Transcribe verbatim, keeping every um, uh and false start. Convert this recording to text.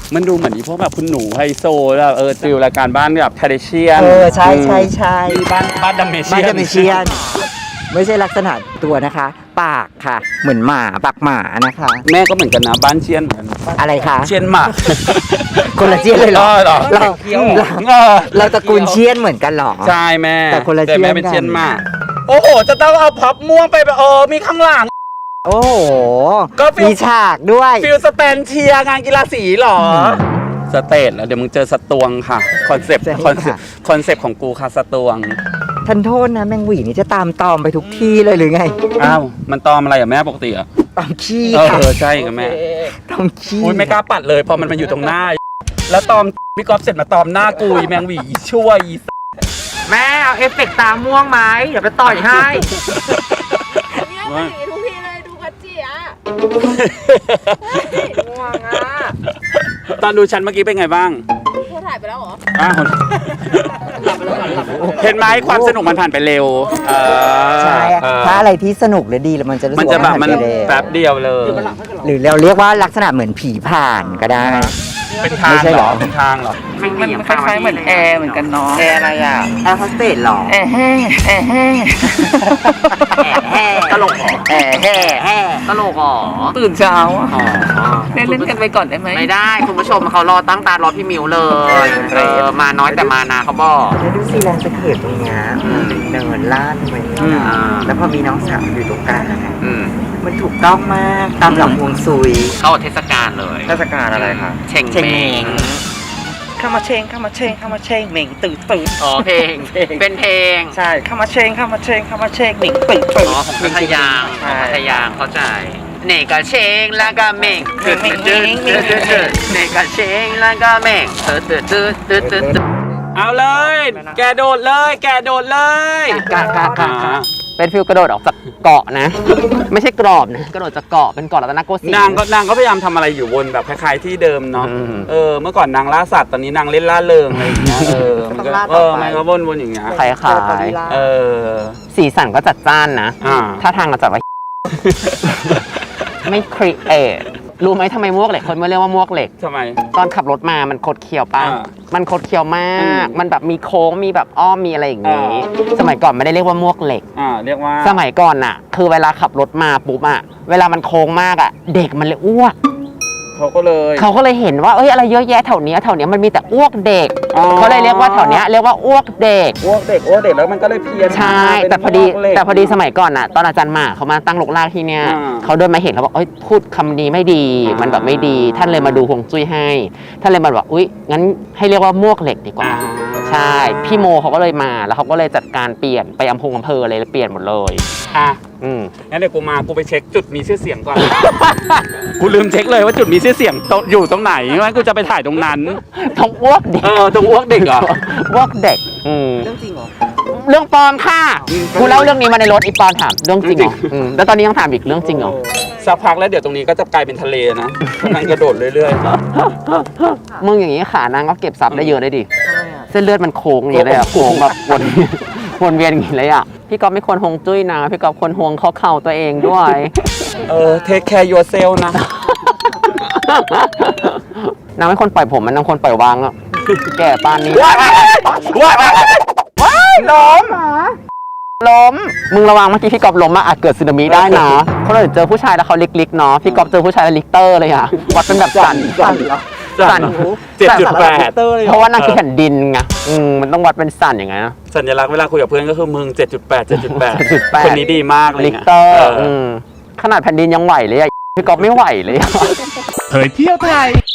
มันดูเหมือนอีพวกแบบคุณหนูไฮโซแบบเออฟิลรายการบ้านแบบทาเดเชียนเออใช่ใช่ใช่บ้านบ้านดัมเมเชีไม่ยนใช่ไม่เชียนไม่ใช่ลักษณะตัวนะคะ ปากค่ะ เหมือนหมาปากหมานะคะแม่ก็เหมือนกันนะบ้านเชียนเหมือนกันอะไรคะเชียนหมากคนละเชียนเลยเหรอเหรอเราเออเราตระกูลเชียนเหมือนกันเหรอใช่แม่แต่คนละเชียนแม่เป็นกันเชียนหมากโอ้โหจะต้องเอาพับม่วงไปแบบเออมีข้างหลังโอ้โหก็ฟิลมีฉากด้วยฟิลสแตนเชียร์งานกีฬาสีเหรอสเตทแล้วเดี๋ยวมึงเจอสตวงค่ะคอนเซปต์ใช่ค่ะคอนเซปต์คอนเซปต์ของกูค่ะสตวงท่านโทษนะแมงหวีนี่จะตามตอมไปทุกที่เลยหรือไงอ้าวมันตอมอะไรอะแม่ปกติอะตอมขี้เอค่ะอใช่กับแม่ตอมขี้อุ้ยไม่กล้าปัดเลยพอมันมาอยู่ตรงหน้า แล้วตอมพี่ก๊อฟเสร็จมาตอมหน้ากูอีแมงหวีอีช่วยอีแม่เอาเอฟเฟกตาม่วงไหมเดี๋ยวไปต่อยให้เนี่ยเป็นอย่างนี้ทุกทีเลยดูพัชจีอ่ะง่วงอ่ะตอนดูฉันเมื่อกี้เป็นไงบ้างเธอถ่ายไปแล้วเหรออ้าวเห็นไหมความสนุกมันผ่านไปเร็วเออใช่อะเออถ้าอะไรที่สนุกหรือดีแล้วมันจะรู้สึมันกจะแบบว่ามันผ่าไปเร็วแป๊บเดียวเลยหรือเราเรียกว่าลักษณะเหมือนผีผ่านก็ได้เป็นทางไม่ใช่เหเหรรออเป็นทางเหรอมันคล้ายๆเหมือนแอร์เหมือนกันเนาะแอร์อะไรอ่ะแอร์โฮสเตสหรอแอร์แห่แอร์แห่แห่ตลกหรอแห่แห่แห่ตลกอ๋อตื่นเช้าอะอ๋อเล่นเล่นกันไปก่อนได้ไหมไม่ได้คุณผู้ชมเขารอตั้งตารอพี่มิวเลยเออมาน้อยแต่มานาเขาบอกแล้วดูซีแลนด์สเคปตรงเนี้ยเนินลาดไปอืมแล้วพอมีน้องสาวอยู่ตรงกลางอะอืมมันถูกต้องมากตามหลักฮวงซุยเข้าเทศกาลเลยเทศกาลอะไรคะเช่งเช่งเมเม้งงเข้ามาเชงเข้ามาเชงเข้ามาเชงเหม่งตื่นตื่นอ๋อเพลง เป็นเพลงใช่เข้ามาเชงเข้ามาเชงเข้ามาเชงเหม่งตื่นตื่นอ๋อของพัทยาของพัทยาเข้าใจเนกะเชงแล้วก็เม่งตึ๊ดตึ๊ดตึ๊ดตึ๊ดตึ๊ดตึ๊ดเนกะเชงแล้วก็เม่งตึ๊ดตึ๊ดตึ๊ดตึ๊ดตึ๊ดตึ๊ดเอาเลย แกโดดเลย แกโดดเลยกะกะกะกะเป็นฟิลกระโดดออกจากเกาะนะ ไม่ใช่กรอบนะกระโดดจากเกาะเป็นเกาะรัตนโกสินทร์นางก็นางก็พยายามทำอะไรอยู่บนแบบคล้ายๆที่เดิมเนาะอืมเออ เมื่อก่อนนางล่าสัตว์ ตอนนี้นางเล่นล่าเริงอะไรอย่างเงี้ย เออ มันก็เออมันก็วนๆอย่างเงี้ยคล้ายเออๆสีสันก็จัดจ้านนะอ่าถ้าทางก็จัดว่า ไม่ครีเอทรู้ไหมทำไมมวกเหล็กคนไม่เรียกว่ามวกเหล็กทำไมตอนขับรถมามันคดเคี้ยวป่ะอ่ามันคดเคี้ยวมากอืมมันแบบมีโค้งมีแบบอ้อมมีอะไรอย่างนี้อ่าสมัยก่อนไม่ได้เรียกว่ามวกเหล็กอ่า เรียกว่าสมัยก่อนน่ะ คือเวลาขับรถมาปุ๊บอะเวลามันโค้งมากอะเด็กมันเลยอ้วกเขาก็เลยเขาก็เลยเห็นว่าเอ้ยอะไรเยอะแยะแถวเนี้ยแถวเนี้ยมันมีแต่อ้วกเด็กอ๋อเขาเลยเรียกว่าแถวเนี้ยเรียกว่าอ้วกเด็กอ้วกเด็กอ้วกเด็กแล้วมันก็เลยเพี้ยนใช่เป็นแต่พอดีอ้วกเหล็กแต่พอดีสมัยก่อนน่ะตอนอาจารย์หมาเขามาตั้งลกลากที่เนี้ยอ่าเขาเดินมาเห็นเขาบอกเอ้ยพูดคำนี้ไม่ดีอ่ามัมันแบบไม่ดี ท่านเลยมาดูฮวงจุ้ยให้ท่านเลยมาบอกอุ้ยงั้นให้เรียกว่ามวกเหล็กดีกว่าอ่าใช่พี่โมเขาก็เลยมาแล้วเขาก็เลยจัดการเปลี่ยนไปอำเภออำเภอเลยเปลี่ยนหมดเลยอ่ะอืมงั้นเดี๋ยวกูมา กูไปเช็คจุดมีชื่อเสียงก่อน กูลืมเช็คเลยว่าจุดมีชื่อเสียงตรงอยู่ตรงไหนงั้นกูจะไปถ่ายตรงนั้นต้องอ้วกเด็กเออ ตรงอ้วกเด็กเหรออ้วกเด็กอืมเรื่องจริงเหรอเรื่องปลอมค่ะอืมกูเล่าเรื่องนี้มาในรถอีปอนถามเรื่องจริงเหรอจริงอืมแล้วตอนนี้ยังถามอีกเรื่องจริงเหรอสักพักแล้วเดี๋ยวตรงนี้ก็จะกลายเป็นทะเลนะมันกระโดดเรื่อยมึงอย่างนี้ขานางก็เก็บซับได้เยอะได้ดิเส้นเลือดมันโค้งอย่างนี้เลยอะโค้งแบบวนวนเวียนอย่างนี้เลยอะพี่ก๊อฟไม่ควรฮวงจุ้ยนะพี่ก๊อฟควรฮวงข้อเข่าตัวเองด้วยๆ เออ เทคแคร์ยูเซลนะนางไม่ควรปล่อยผมมันนางควรปล่อยวางอะแก่ปานนี้ว้ายว้ายว้ายล้มล้มมึงระวังเมื่อกี้พี่ก๊อฟล้มมาอาจเกิดสึนามิได้นะเพราะเราเจอผู้ชายแล้วเขาลิกๆเนาะพี่ก๊อฟเจอผู้ชายแล้วลิกเตอร์เลยอะวัดเป็นแบบสั่นสั่นเหรอสั่นเจ็ดจุดแปดเพราะว่านางคือแผ่นดินไงอืมมันต้องวัดเป็นสั่นอย่างไงนะสัญลักษณ์เวลาคุยกับเพื่อนก็คือมึง เจ็ดจุดแปด เจ็ดจุดแปดเจ็ดจุดแปดคนนี้ดีมากเลยลิกไงเตอร์เอออืมขนาดแผ่นดินยังไหวเลยอะพี่ก๊อฟไม่ไหวเลยอะเผยเที่ยวไทย